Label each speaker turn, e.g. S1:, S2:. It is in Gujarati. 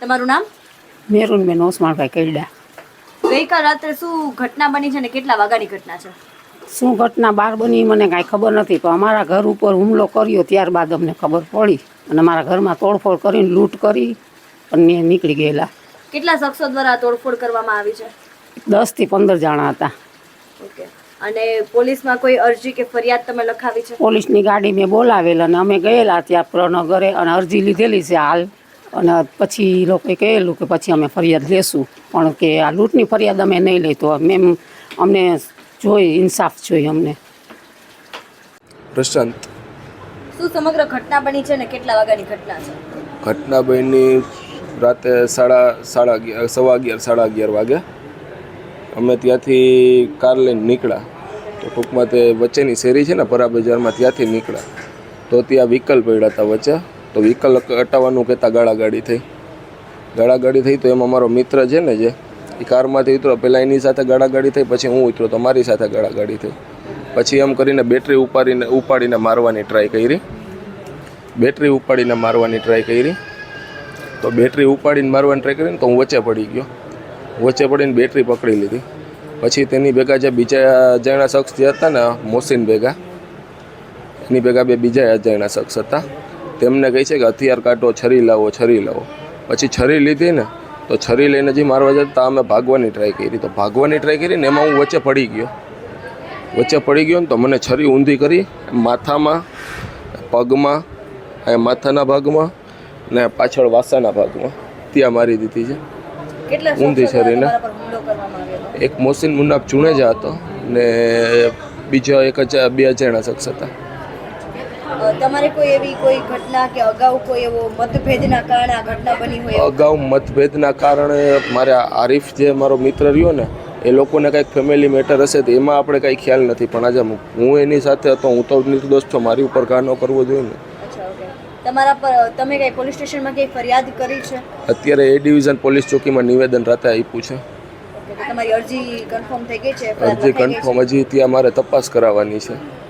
S1: તમારું નામ?
S2: મેરુનબેન ઓસમાણભાઈ કૈડા.
S1: ગઈકાલ રાત્રે શું ઘટના બની છે અને કેટલા વાગ્યાની ઘટના છે?
S2: શું ઘટના બહાર બની મને કાંઈ ખબર નથી, પણ અમારા ઘર ઉપર હુમલો કર્યો ત્યારબાદ અમને ખબર પડી અને મારા ઘરમાં તોડફોડ કરીને લૂંટ કરી અને નીકળી ગયેલા.
S1: કેટલા શખ્સો દ્વારા તોડફોડ કરવામાં આવી છે?
S2: 10 થી 15 જણા હતા.
S1: ઓકે. અને પોલીસમાં કોઈ અરજી કે ફરિયાદ તમે લખાવી છે?
S2: પોલીસની ગાડી મેં બોલાવેલ અને અમે ગયેલા ત્યાં પ્રનગરે અને અરજી લીધેલી છે હાલ. અને પછી એ લોકોએ કહેલું કે પછી અમે ફરિયાદ લેશું, પણ કે આ લૂંટની ફરિયાદ અમે નહીં લઈ તો મેમ અમને જોઈ ઇન્સાફ જોઈએ અમને.
S3: પ્રશાંત.
S1: શું સમગ્ર ઘટના બની છે અને કેટલા વાગ્યાની ઘટના છે?
S3: ઘટના બની રાતે 11:30 વાગે. અમે ત્યાંથી કાર લઈને નીકળ્યા તો ટૂંકમાં તે વચ્ચેની શેરી છે ને પરા બજારમાં, ત્યાંથી નીકળ્યા તો ત્યાં વ્હીકલ પડ્યા હતા વચ્ચે. તો વ્હીકલ હટાવવાનું કહેતા ગાળાગાડી થઈ તો એમાં મારો મિત્ર છે ને જે એ કારમાંથી ઉતરો, પહેલાં એની સાથે ગાળાગાડી થઈ, પછી હું ઉતરો તો મારી સાથે ગાળાગાડી થઈ. પછી એમ કરીને બેટરી ઉપાડીને મારવાની ટ્રાય કરી. તો બેટરી ઉપાડીને મારવાની ટ્રાય કરીને તો હું વચ્ચે પડી ગયો. વચ્ચે પડીને બેટરી પકડી લીધી. પછી તેની ભેગા જે બીજા અજાણ્યા શખ્સ જે હતા ને મોસીન ભેગા, એની ભેગા બે બીજા અજાણ્યા શખ્સ હતા. તેમને કહે છે કે હથિયાર કાઢો, છરી લાવો. પછી છરી લીધી ને તો છરી લઈને જે મારવા જતા અમે ભાગવાની ટ્રાય કરી ને એમાં હું વચ્ચે પડી ગયો ને તો મને છરી ઊંધી કરી માથામાં, પગમાં, માથાના ભાગમાં ને પાછળ વાસાના ભાગમાં ત્યાં મારી દીધી છે ઊંધી છરીને. એક મોસીન મુન્નાફ ચુણેજા હતો ને બીજા બે અજાણ્યા શખ્સ હતા.
S1: તમારે કોઈ એવી ઘટના કે અગાઉ કોઈ એવો મતભેદના કારણે આ ઘટના બની હોય?
S3: અગાઉ મતભેદના કારણે મારે આરીફ જે મારો મિત્ર રહ્યો ને એ લોકોને કંઈક ફેમિલી મેટર હશે તો એમાં આપણે કંઈ ખ્યાલ નથી, પણ આજે હું એની સાથે હતો, હું તો નિર્દોષ છું, મારી ઉપર ઘા ન કરવો જોઈએ ને.
S1: તમારા પર તમે કઈ પોલીસ સ્ટેશનમાં કઈ ફરિયાદ કરી છે?
S3: અત્યારે એ ડિવિઝન પોલીસ ચોકીમાં નિવેદન રાતે આપ્યું છે.
S1: તમારી અરજી કન્ફર્મ થઈ ગઈ છે?
S3: અરજી કન્ફર્મ હજી ત્યાં મારે તપાસ કરાવવાની છે.